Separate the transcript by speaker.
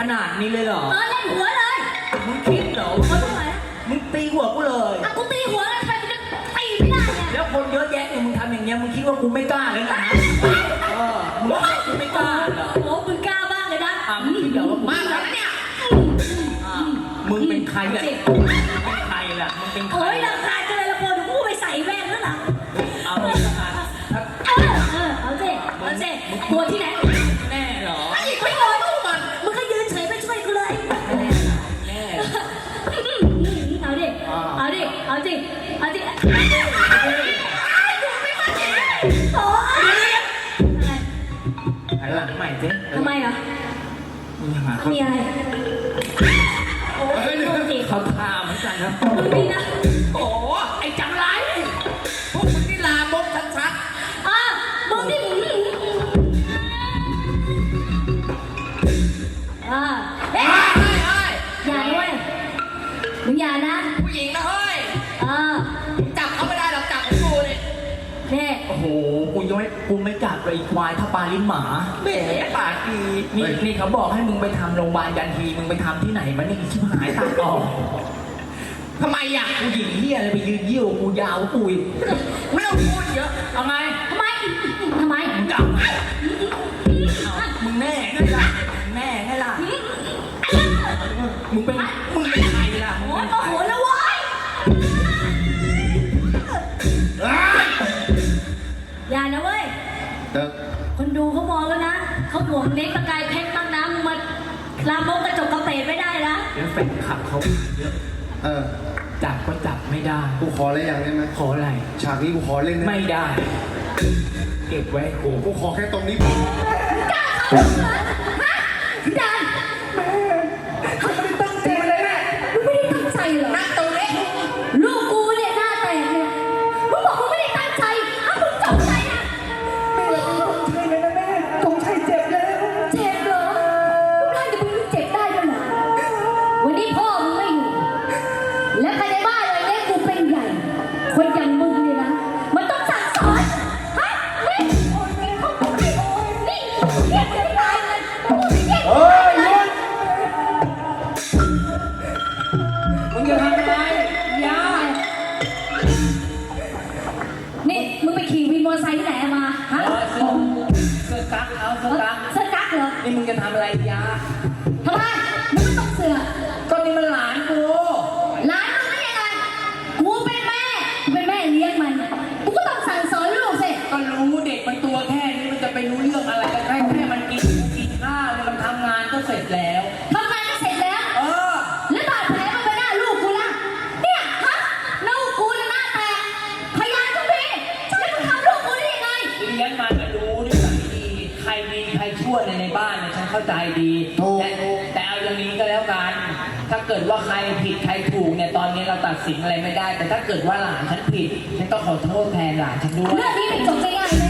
Speaker 1: นาดนี้เลยเหรอ
Speaker 2: เล่นหัวเลย
Speaker 1: มึงคิดเหรอว่ามึงตีหัวกูเลย
Speaker 2: กูตีหัวแล้วใครจะตีไม่ได้เนี่ย
Speaker 1: แล้วคนเยอะแยะเนี่ยมึงทำอย่างเงี้ยมึงคิดว่ากูไม่กล้าเลยนะมึงว่ากูไม่กล้าเหรอ
Speaker 2: โอ้มึงกล้าบ้างเลยนะ
Speaker 1: มึงคิดเหรอว่ามาแล้วเนี่ยมึงเป็นใครล่ะเป็นใครล่ะมึงเป็นใคร
Speaker 2: โอ้ยราคาจะเลยละคนกูไปใส่แว่นแล้วหรอ
Speaker 1: เอาเลยละกัน
Speaker 2: เอาสิตัวที่ไหน
Speaker 1: แน่เหรอ
Speaker 2: ไม่รอตู้มันมึงก็ยืนเฉยไปช่วยกูเลย
Speaker 1: แน่
Speaker 2: เอาดิโอ้ย
Speaker 1: หันหลังใหม่สิ
Speaker 2: ทำไมอ่ะมีอะไรโอ้ย
Speaker 1: เขาทาเหมือนกันครับ
Speaker 2: มึงนี่นะ
Speaker 1: โอ้ไอ้จังไรพวกมึงนี่ลามกชัด
Speaker 2: มึงนี่อย่าด้วยมึงอย่านะ
Speaker 1: ผู้หญิงนะเฮ้ยจับเขาไม่ได้หรอกจับกูเนี่ยโอ้โหกูไม่จับเลยควายถ้าปลาลิ้นหมาแหมปากดีนี่เขาบอกให้มึงไปทำโรงพยาบาลยันทีมึงไปทำที่ไหนมันนี่ชิบหายตาต่อทำไมอยากกูหญิงเหี้ยอะไรไปยืนเยี่ยวกูยาวกูอีกไม่ต้องพูดเยอะเอาไง
Speaker 2: ทำไม
Speaker 1: มึงจับมึงแน่ไงล่ะมึงเป็นใครล่ะ
Speaker 2: โอ้โหแล้ววะอย่านะเว้ยคนดูเขามองแล้วนะเขาห่วงเน็กประกายเพชรบ้างนะมึงมาลามกกระจกกระเตดไม่ได้นะ
Speaker 1: เดี๋ยวแฟนขับเขาเยอะจับก็จับไม่ได้
Speaker 3: กูขออะไรอย่างได้ไหม
Speaker 1: ขออะไร
Speaker 3: ฉากนี้กูขอเล่น
Speaker 1: ไม่ได้เก็บไว้
Speaker 3: กูขอแค่ตรงนี้
Speaker 2: กล้าเข้าเหรอฮะพี่ดัน
Speaker 3: เขาไม่ได้ตั้งใจเลยแม่
Speaker 2: มึงไม่ได้ตั้งใจเหรอ
Speaker 1: หน้าตัวเล็ก
Speaker 2: ลูกกูเนี่ยหน้าแตกเนี่ยมึงบอกมึงไม่ได้ตั้งใจมึงจงใจนะ
Speaker 3: ไม่ได้ตั้งใจเลยนะแม่จงใจเจ็บแล้ว
Speaker 2: เจ็บเหรอร่างจะมึงเจ็บได้ด้วยเหรอวันนี้พ่อมึงไม่อยู่และใครในบ้านเลยเนี่ยกูเป็นใหญ่คนอย่างมึงเนี่ยนะมันต้องสั่งสอนฮะนี่เรียกไม่ได้เลย
Speaker 1: มึงจะทำอะไรยา
Speaker 2: นี่มึงไปขี่วินมอเตอร์ไซค์ที่ไหนมาฮะ
Speaker 1: เสื้อกั๊กเสื้อกั๊ก
Speaker 2: เหรอ
Speaker 1: นี่มึงจะทำอะไรยา
Speaker 2: ทำไมมึงไม่ต้องเสือ
Speaker 1: ก็นี่มันหลานกู
Speaker 2: หลานมึงได้ยังไงกูเป็นแม่เลี้ยงมันกูก็ต้องสั่งสอนลูกสิ
Speaker 1: ก็รู้เด็กมันตัวแค่นี้มันจะไปรู้เรื่องอะไรกันได้แค่มันกินข้าวมันทำงานก็เสร็จแล้ว
Speaker 2: ทำงานก็เสร็จแล้วแล้วบาดแผลมันไปหน้าลูกกูล่ะเนี่ยฮะลูกกูหน้าแตกพยานทุกทีแล้วมึงทำลูกกูได้ยังไง
Speaker 1: เลี้ยงมันก็รู้นิสัยดีใครดีใครชั่วในบ้านเนี่ยฉันเข้าใจดีแต่เอาอย่างนี้ก็แล้วกันถ้าเกิดว่าใครผิดใครถูกเนี่ยตอนนี้เราตัดสินอะไรไม่ได้แต่ถ้าเกิดว่าหลานฉันผิดฉันก็ขอโทษแทนหลานฉันด้วย
Speaker 2: เรื่องนี้ไม่จบง่ายๆ